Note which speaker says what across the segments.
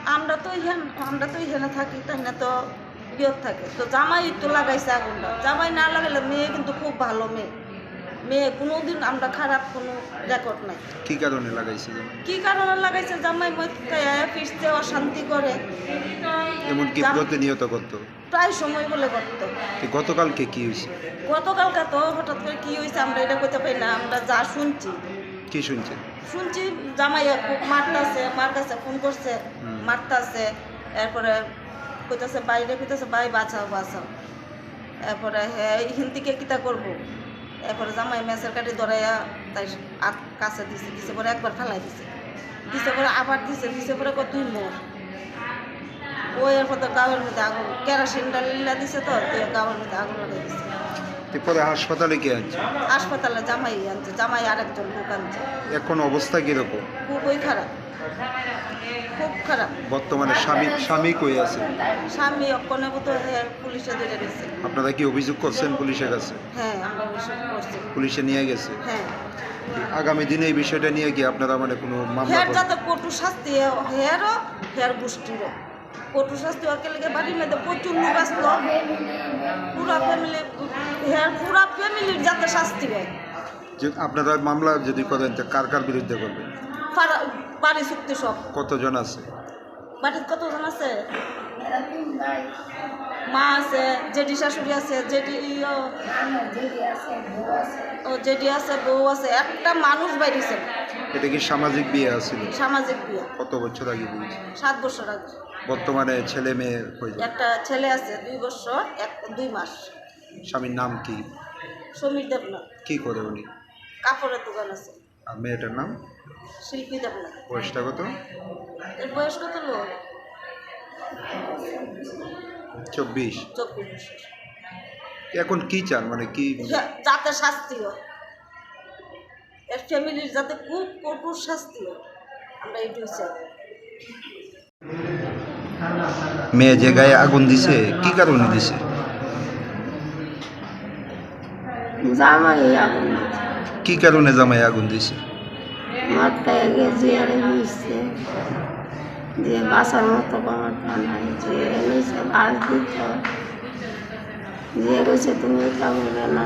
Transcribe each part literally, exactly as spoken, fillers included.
Speaker 1: আমরা তো ইহান আমরা তো এখানে থাকি, তাই না? তো বিয়ত থাকে তো জামাই তো লাগাইছে আগুনটা। জামাই না লাগাইলে মেয়ে কিন্তু খুব ভালো মেয়ে। মেয়ে কোনোদিন আমরা খারাপ কোনো রেকর্ড নাই।
Speaker 2: কি কারণে লাগাইছে জামাই?
Speaker 1: কি কারণে লাগাইছে? জামাই মধ্যে ফিরতে অশান্তি করে,
Speaker 2: এমনকি প্রতিনিয়ত করতো।
Speaker 1: প্রায় সময় বলে করতো।
Speaker 2: তো গতকালকে কি হয়েছে?
Speaker 1: গতকালকে তো হঠাৎ করে কি হয়েছে আমরা এটা কইতে পারি না। আমরা যা শুনছি
Speaker 2: কি শুনছেন?
Speaker 1: শুনছি জামাইয়া খুব মারতাছে, মার কাছে ফোন করছে, মারতাছে। এরপরে কইতাছে বাইরে কইতাছে ভাই বাঁচাও বাঁচাও। এরপরে হ্যাঁ এখান থেকে কিতা করবো। এরপরে জামাই মেসের কাটি ধরাইয়া তাই কাছে দিছে, দিছে পরে একবার ফেলাই দিছে, দিছে পরে আবার দিছে, দিছে পরে কত তুই মোর ওই এরপর তো গাঁয়ের মধ্যে আগুন কেরোসিন ডালিলা দিছে, তো গাঁয়ের মধ্যে আগুন লাগাই দিছে।
Speaker 2: এরপরে হাসপাতালে কে আনছে?
Speaker 1: হাসপাতালে জামাই আনছে, জামাই আরেকজন লোক আনছে।
Speaker 2: এখন অবস্থা কিরকম?
Speaker 1: খুবই খারাপ, খুব খারাপ।
Speaker 2: বর্তমানে স্বামী স্বামী কই আছে?
Speaker 1: স্বামী অক্ষণে মতো পুলিশে ধরে গেছে।
Speaker 2: আপনারা কি অভিযোগ করছেন পুলিশের কাছে?
Speaker 1: হ্যাঁ আমরা অভিযোগ করছি।
Speaker 2: পুলিশে নিয়ে গেছে?
Speaker 1: হ্যাঁ।
Speaker 2: আগামী দিনে এই বিষয়টা নিয়ে কি আপনারা মানে কোনো মামলা
Speaker 1: হেয়ার
Speaker 2: করবেন?
Speaker 1: যাতে কটু শাস্তি হেয়ারও হেয়ার গোষ্ঠীরও কটু শাস্তি ওকে লেগে বাড়ির মধ্যে প্রচুর লোক আসলো, পুরা ফ্যামিলি হেয়ার পুরা ফ্যামিলির যাতে শাস্তি হয়।
Speaker 2: যে আপনারা মামলা যদি করেন তো কার কার বিরুদ্ধে করবেন?
Speaker 1: পাড়া- বাড়ি চুক্তি সব।
Speaker 2: কতজন আছে?
Speaker 1: বাড়ির কতজন আছে? মা আছে, জেঠি শাশুড়ি আছে, জেঠি ও জেঠি আছে, বউ আছে, একটা মানুষ বাইরেছে।
Speaker 2: এটা কি সামাজিক বিয়ে আছিল?
Speaker 1: সামাজিক বিয়ে।
Speaker 2: কত বছর আগে বিয়ে?
Speaker 1: সাত বছর আগে।
Speaker 2: বর্তমানে ছেলে মেয়ে হয়ে যায়?
Speaker 1: একটা ছেলে আছে দুই বছর এক দুই মাস।
Speaker 2: স্বামীর নাম কি?
Speaker 1: সমীর দেবনাথ।
Speaker 2: কি করে উনি?
Speaker 1: কাপড়ের দোকান আছে।
Speaker 2: আর মেয়েটার নাম?
Speaker 1: শিল্পী দেবনাথ।
Speaker 2: বয়সটা কত?
Speaker 1: এর বয়স কত লোক?
Speaker 2: চব্বিশ।
Speaker 1: চব্বিশ বছর।
Speaker 2: এখন কি চান মানে কি?
Speaker 1: যাতে শাস্তি হয়, এর ফ্যামিলির যাতে খুব কঠোর শাস্তি হয়, আমরা এইটুকু চাই।
Speaker 2: মেয়ে যে গায়ে আগুন দিছে কি কারণে দিছে?
Speaker 3: জামাই আগুন
Speaker 2: কি কারণে জামাই আগুন দিছে?
Speaker 3: মাথায় গেছে আর মিশছে যে বাসার মতো ক্ষমতা নাই, যে নিচে বাস দিত, যে গেছে তুমি এটা বলে না।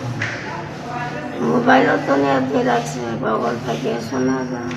Speaker 3: মোবাইলও তো নিয়ে দিয়ে রাখছে, বগল থেকে শোনা যায়।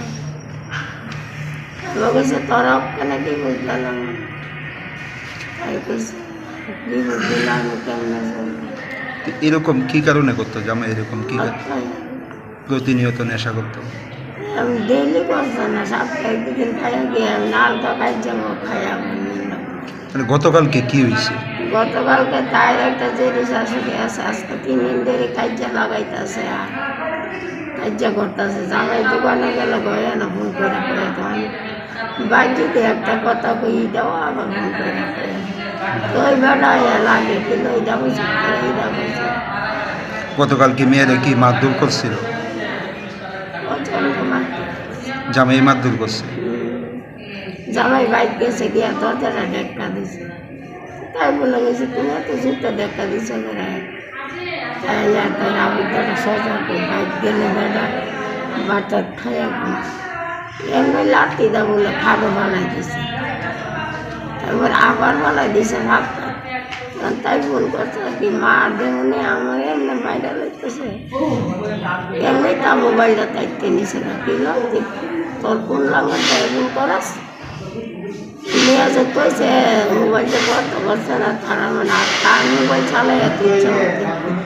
Speaker 3: বলেছে তোরা ওখানে কি বুঝলাম, তাই কইছে কি বুঝলাম আমি কেমনে চলবো।
Speaker 2: এরকম কি কারণে করতো জামাই? এরকম কি প্রতিনিয়ত নেশা করতো?
Speaker 3: আমি ডেইলি করছো না, সপ্তাহে দুদিন খাইয়া গিয়ে আমি নাল তো খাই যাবো খাইয়া।
Speaker 2: মানে গতকালকে কি হয়েছে?
Speaker 3: গতকালকে তাই একটা জেরি শাশুড়ি আছে, আজকে তিন দিন ধরে কাজ্যা লাগাইতেছে আর কাজ্যা করতেছে। জামাই দোকানে গেলে গয়ে না ফোন করে করে তো আমি বাড়িতে একটা কথা কই দাও, আবার ফোন করে করে তো ওই বেটা লাগে কিন্তু ওইটা বুঝি এইটা বুঝি।
Speaker 2: গতকাল কি মেয়েরা কি মারধর করছিল?
Speaker 3: প্রচন্ড মারতে
Speaker 2: জামাই মারধর করছে?
Speaker 3: জামাই বাইক গেছে গিয়া দরজাটা ডেক্কা দিছে, তাই বলে গেছে তুমি এত জুতো ডেক্কা দিছে করে। তাই তাই আমি তারা সজা করে বাইক গেলে বেটা বাটা খাইয়া এমনি লাঠি দা বলে খাবো বানাই দিছে, তারপর আবার বানাই দিছে ভাবটা। তাই ফোন করছে কি মা দেমনি আমার এমনি বাইরে লাগতেছে, এমনি তা মোবাইলটা তাইতে নিছে না কিল তোর ফোন লাগান তাই ফোন করাস নিয়ে যে কইছে মোবাইলটা করতে পারছে না, তারা মানে আর তার মোবাইল চালাই এত ইচ্ছা হতে।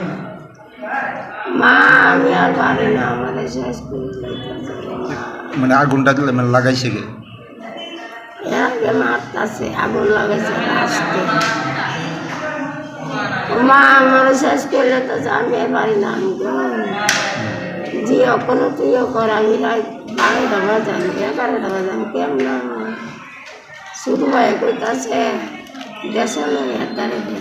Speaker 3: মা আমি আর পারি না, আমাদের শেষ করে
Speaker 2: মানে আগুনটা মানে লাগাইছে গে?
Speaker 3: একে মারতাছে, আগুন লাগাইছে আসতে। মা আমার শেষ করলে তো আমি আর পারি না, আমি জিও কোনো তুইও কর, আমি রাত বারোটা বাজান এগারোটা বাজান কেমন শুরু হয়ে কইতাছে দেশে তারিখে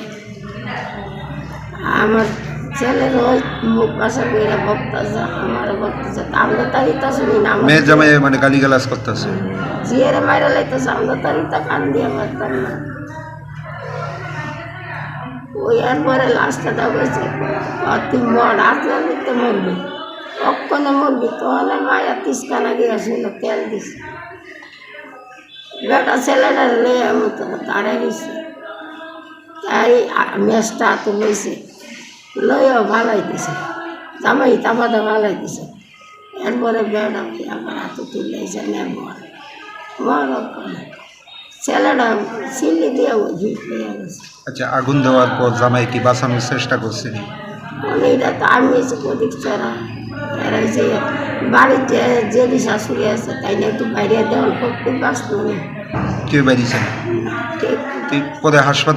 Speaker 3: আমার ছেলের ওই মুখ বাসা করে বক্তাছে, আমার বক্তাছে আমরা তারিখটা শুনি না।
Speaker 2: মেয়ে জামাই মানে গালিগালাজ করতেছে,
Speaker 3: জিয়ারে মাইরা লাইতেছে, আমরা তারিখটা কান দিয়ে মারতাম না। ওই এরপরে লাস্টটা বলছে তুই মর আসলে নিতে মরবি, অক্ষণে মরবি, তো অনেক মায়া তিসকানা গিয়েছিল তেল দিস। বেটা ছেলেটা লয়ে আমি তো দাঁড়াই গেছি তাই মেসটা তো বইছে লইয়াও ভালাই দিছে জামাই তামাদা ভালাই দিছে এরপরে বেটা আমার হাতে তুলে এসে নেব মর ছেলেটা চিনি দিয়ে ওই হিট হয়ে গেছে।
Speaker 2: আচ্ছা, আগুন দেওয়ার পর জামাই কি বাঁচানোর চেষ্টা করছেন?
Speaker 3: এটা তো আমি এসে প্রদীপ চড়া এরা যে বাড়িতে যে শাশুড়ি আছে তাই না একটু বাইরে দেওয়ার করতে বাঁচত না
Speaker 2: কেউ বেরিয়েছেন?
Speaker 3: ঠিক
Speaker 2: পরে হাসপাতাল